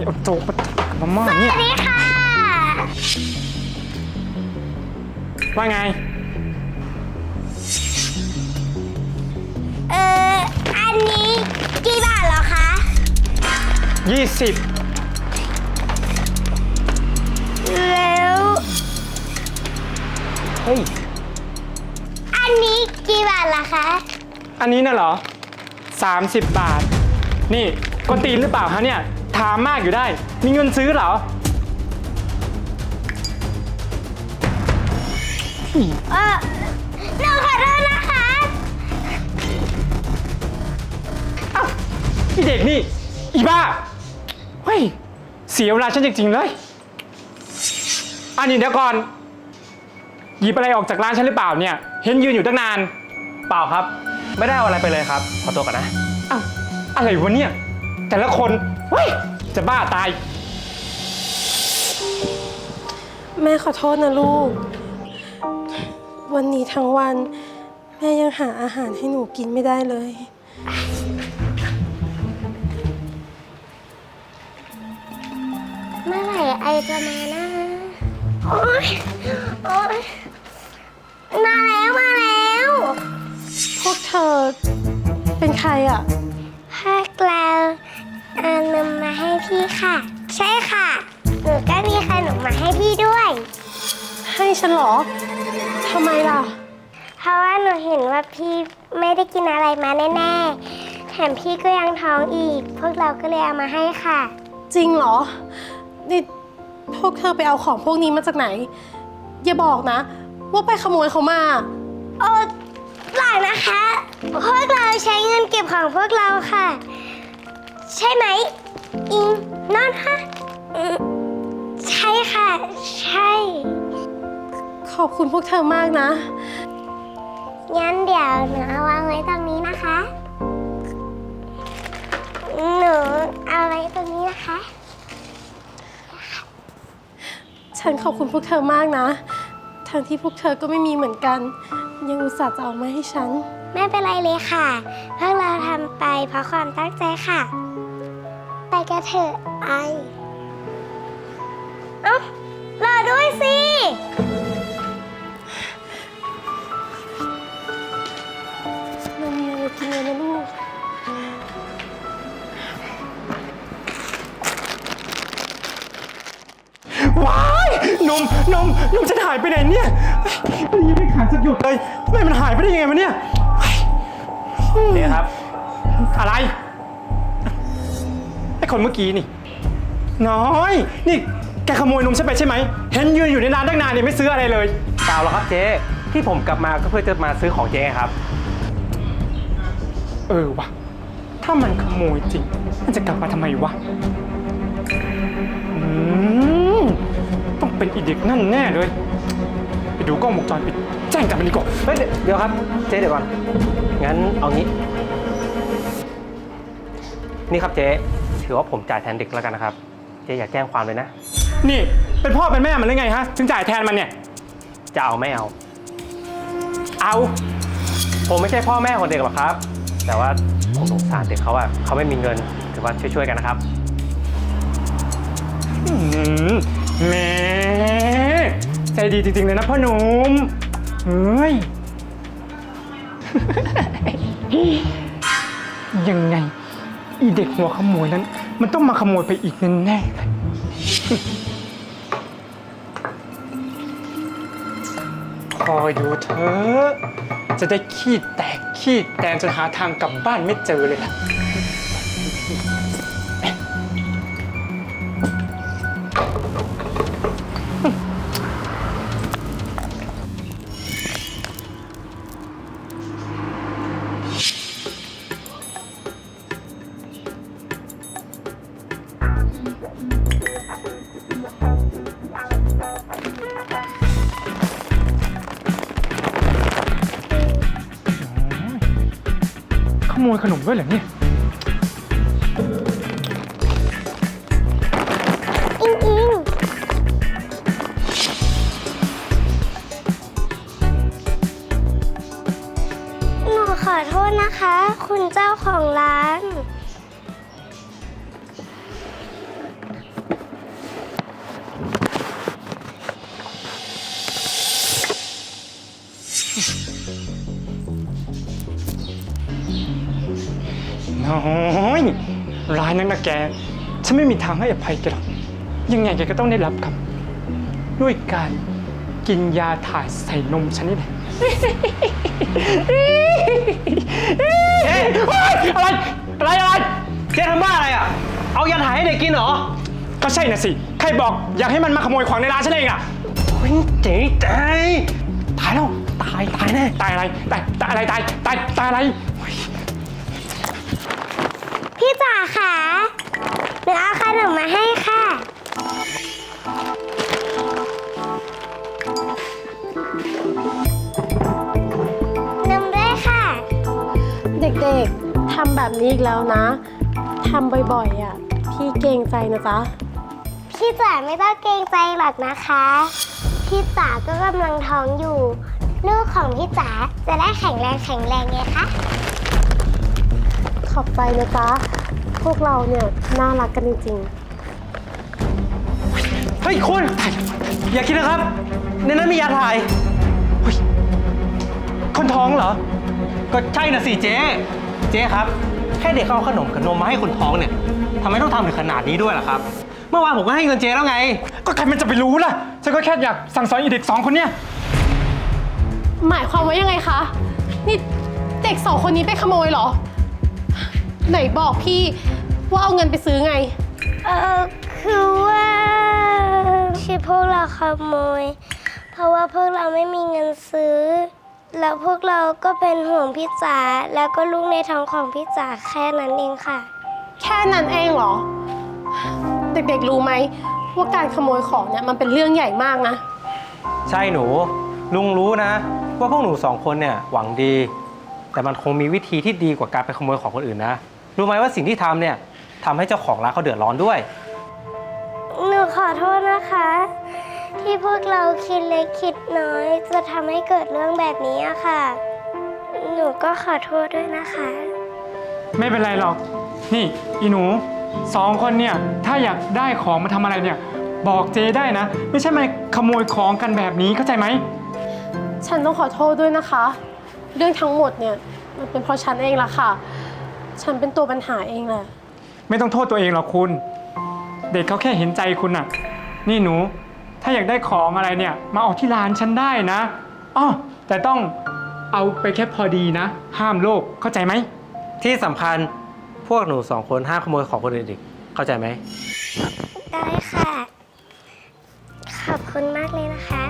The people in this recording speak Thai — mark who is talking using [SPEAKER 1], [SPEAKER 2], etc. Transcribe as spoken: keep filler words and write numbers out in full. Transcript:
[SPEAKER 1] เอาโจ๊กมามาม่าเนี่ย
[SPEAKER 2] สวัสดีค่ะ
[SPEAKER 1] ว่าไง
[SPEAKER 2] เอออันนี้กี่บาทเหรอคะ
[SPEAKER 1] ยี่สิบ
[SPEAKER 2] แล้ว
[SPEAKER 1] เฮ้ย
[SPEAKER 2] อันนี้กี่บาทล่ะคะ
[SPEAKER 1] อันนี้น่ะเหรอสามสิบบาทนี่กวนตีนหรือเปล่าฮะเนี่ยถามมากอยู่ได้มีเงินซื้อเหรอ
[SPEAKER 2] เออหนูขอโทษนะคะ
[SPEAKER 1] เอ้าไอเด็กนี่อีบ้าเฮ้ยเสียเวลาฉันจริงๆเลยอันนี้เดี๋ยวก่อนหยิบอะไรออกจากร้านฉันหรือเปล่าเนี่ยเห็นยืนอยู่ตั้งนานเปล่าครับไม่ได้เอาอะไรไปเลยครับขอตัวก่อนนะอ้าวอะไรวะเนี่ยแต่ละคนเฮ้ยจะบ้าตาย
[SPEAKER 3] แม่ขอโทษนะลูก วันนี้ทั้งวันแม่ยังหาอาหารให้หนูกินไม่ได้เลย
[SPEAKER 2] เมื่อไหร่ไอจะมานะโอ๊ยโอ๊ยมาแล้วมาแล้ว
[SPEAKER 3] พวกเธอเป็นใครอ่ะ
[SPEAKER 2] พวกเราเอานมมาให้พี่ค่ะ ใช่ค่ะ หนูก็มีขนมมาให้พี่ด้วย
[SPEAKER 3] ให้ฉันเหรอทำไมล่ะ
[SPEAKER 2] เพราะว่าหนูเห็นว่าพี่ไม่ได้กินอะไรมาแน่ๆแถมพี่ก็ยังท้องอีก พวกเราก็เลยเอามาให้ค่ะ
[SPEAKER 3] จริงเหรอ นี่พวกเธอไปเอาของพวกนี้มาจากไหน อย่าบอกนะ ว่าไปขโมยเขามา
[SPEAKER 2] โอ้เปล่านะคะ พวกเราใช้เงินเก็บของพวกเราค่ะ ใช่ไหม อิงนอนค่ะอืมใช่ค่ะ ใช่
[SPEAKER 3] ขอบคุณพวกเธอมากนะ
[SPEAKER 2] งั้นเดี๋ยวหนูเอาวางไว้ตรงนี้นะคะ หนูเอาไว้ตรงนี้นะคะ
[SPEAKER 3] ฉันขอบคุณพวกเธอมากนะ ทั้งที่พวกเธอก็ไม่มีเหมือนกัน ยังอุตส่าห์จะเอามาให้ฉัน
[SPEAKER 2] ไม่เป็นไรเลยค่ะพวกเราทำไปเพราะความตั้งใจค่ะ ไปกันเถอะไอ เอ้ารอด้วยสิ
[SPEAKER 3] เรามีอะไรกินเลยนะลูก
[SPEAKER 1] ว้ายนมนมนมจะหายไปไหนเนี่ยเฮ้ยมันยังไม่ขาดสักหยดเลยทำไมมันหายไปได้ยังไงวะเนี่ยนี่ครับอะไรไอ้คนเมื่อกี้นี่น้อยนี่แกขโมยนมฉันไปใช่ไหมเห็นยืนอยู่ในร้านตั้งนานเนี่ยไม่ซื้ออะไรเลยเปล่าหรอกครับเจ๊ที่ผมกลับมาก็เพื่อจะมาซื้อของเจ๊ครับเออวะถ้ามันขโมยจริงมันจะกลับมาทำไมวะอืมต้องเป็นอีเด็กนั่นแน่เลยไปดูกล้องวงจรปิดแจ้งจับมันดีกว่าเฮ้ยเดี๋ยวครับเจ๊เดี๋ยวก่อนงั้นเอางี้นี่ครับเจ๊ถือว่าผมจ่ายแทนเด็กแล้วกันนะครับเจ๊อย่าแจ้งความเลยนะนี่เป็นพ่อเป็นแม่มันหรือไงฮะถึงจ่ายแทนมันเนี่ยจะเอาไม่เอาเอาผมไม่ใช่พ่อแม่ของเด็กหรอกครับแต่ว่าผมสงสารเด็กเขาอะเขาไม่มีเงินถือว่าช่วยๆกันนะครับแหมใจดีจริงๆเลยนะพ่อหนุ่มเฮ้ย ยังไงอีเด็กหัวขโมยนั้นมันต้องมาขโมยไปอีกแน่ๆเลย คอยดูเถอะจะได้ขี้แตกขี้แตนจนหาทางกลับบ้านไม่เจอเลยล่ะขโมยขนมด้วยเหรอเนี่ย
[SPEAKER 2] อิงอิงหนูขอโทษนะคะ คุณเจ้าของร้าน
[SPEAKER 1] ายนักนะแก ฉันไม่มีทางให้อภัยแกหรอก ยังไงแกก็ต้องได้รับกรรมด้วยการกินยาถ่ายใส่นมฉันนี่แหละ
[SPEAKER 4] เอ๊ะ
[SPEAKER 1] เฮ้ยอะไร อะไร อะไร
[SPEAKER 4] เจ๊ทำบ้าอะไรอ่ะ เอายาถ่ายให้เด็กกินเหรอ
[SPEAKER 1] ก็ใช่น่ะสิ ใครบอกอยากให้มันมาขโมยของในร้านฉันเองอะ
[SPEAKER 4] โอ้ยเจ๊ตายตายแล้ว ตาย ตายแน่
[SPEAKER 1] ตายอะไร ตาย ตายอะไร ตาย ตาย ตายอะไรโอ๊ย
[SPEAKER 2] พี่จ๋าค่ะหนูเอาขนมมาให้ค่ะ นมด้วยค่ะ
[SPEAKER 3] เด็กๆทำแบบนี้อีกแล้วนะทำบ่อยๆอ่ะ พี่เกรงใจนะจ๊ะ
[SPEAKER 2] พี่จ๋าไม่ต้องเกรงใจหรอกนะคะ พี่จ๋าก็กำลังท้องอยู่ ลูกของพี่จ๋าจะได้แข็งแรงแข็งแรงไงคะ
[SPEAKER 3] ขอบใจนะจ๊ะ พวกเราเนี่ยน่ารักกันจริง
[SPEAKER 4] เฮ้ยคุณ อย่าคิดนะครับ ในนั้นมียาถ่าย
[SPEAKER 1] คนท้องเหรอ
[SPEAKER 4] ก็ใช่นะสิเจ๊ เจ๊ครับ แค่เด็กเขาเอาขนมกับนมมาให้คนท้องเนี่ยทำไมต้องทำถึงขนาดนี้ด้วยล่ะครับ เมื่อวานผมก็ให้เงินเจ๊แล้วไง
[SPEAKER 1] ก็ใครมันจะไปรู้ล่ะ ฉันก็แค่อยากสั่งสอนอีเด็กสองคนเนี่ย
[SPEAKER 3] ๆ หมายความว่ายังไงคะ นี่เด็กสองคนนี้ไปขโมยเหรอ ไหนบอกพี่ว่าเอาเงินไปซื้อไง
[SPEAKER 2] เออคือว่าที่พวกเราขโมย เพราะว่าพวกเราไม่มีเงินซื้อ แล้วพวกเราก็เป็นห่วงพี่จ๋าแล้วก็ลูกในท้องของพี่จ๋าแค่นั้นเองค่ะ
[SPEAKER 3] แค่นั้นเองเหรอ เด็กๆรู้ไหมว่าการขโมยของเนี่ยมันเป็นเรื่องใหญ่มากนะ
[SPEAKER 4] ใช่หนู ลุงรู้นะ ว่าพวกหนูสองคนเนี่ยหวังดี แต่มันคงมีวิธีที่ดีกว่าการไปขโมยของคนอื่นนะ รู้ไหมว่าสิ่งที่ทำเนี่ยทำให้เจ้าของร้านเขาเดือดร้อนด้วย
[SPEAKER 2] หนูขอโทษนะคะ ที่พวกเราคิดเล็กคิดน้อย จะทำให้เกิดเรื่องแบบนี้อะค่ะ หนูก็ขอโทษด้วยนะคะ
[SPEAKER 1] ไม่เป็นไรหรอก นี่อีหนูสองคนเนี่ย ถ้าอยากได้ของมาทำอะไรเนี่ย บอกเจได้นะ ไม่ใช่มาขโมยของกันแบบนี้เข้าใจไหม
[SPEAKER 3] ฉันต้องขอโทษด้วยนะคะ เรื่องทั้งหมดเนี่ยมันเป็นเพราะฉันเองล่ะค่ะ ฉันเป็นตัวปัญหาเองแหละ
[SPEAKER 1] ไม่ต้องโทษตัวเองหรอกคุณ เด็กเขาแค่เห็นใจคุณน่ะ นี่หนู ถ้าอยากได้ของอะไรเนี่ย มาเอาที่ร้านฉันได้นะอ้อแต่ต้องเอาไปแค่พอดีนะ ห้ามโลภเข้าใจไหม
[SPEAKER 4] ที่สำคัญพวกหนูสองคนห้ามขโมยของคนอื่นอีกเข้าใจไหม
[SPEAKER 2] ได้ค่ะ ขอบคุณมากเลยนะคะ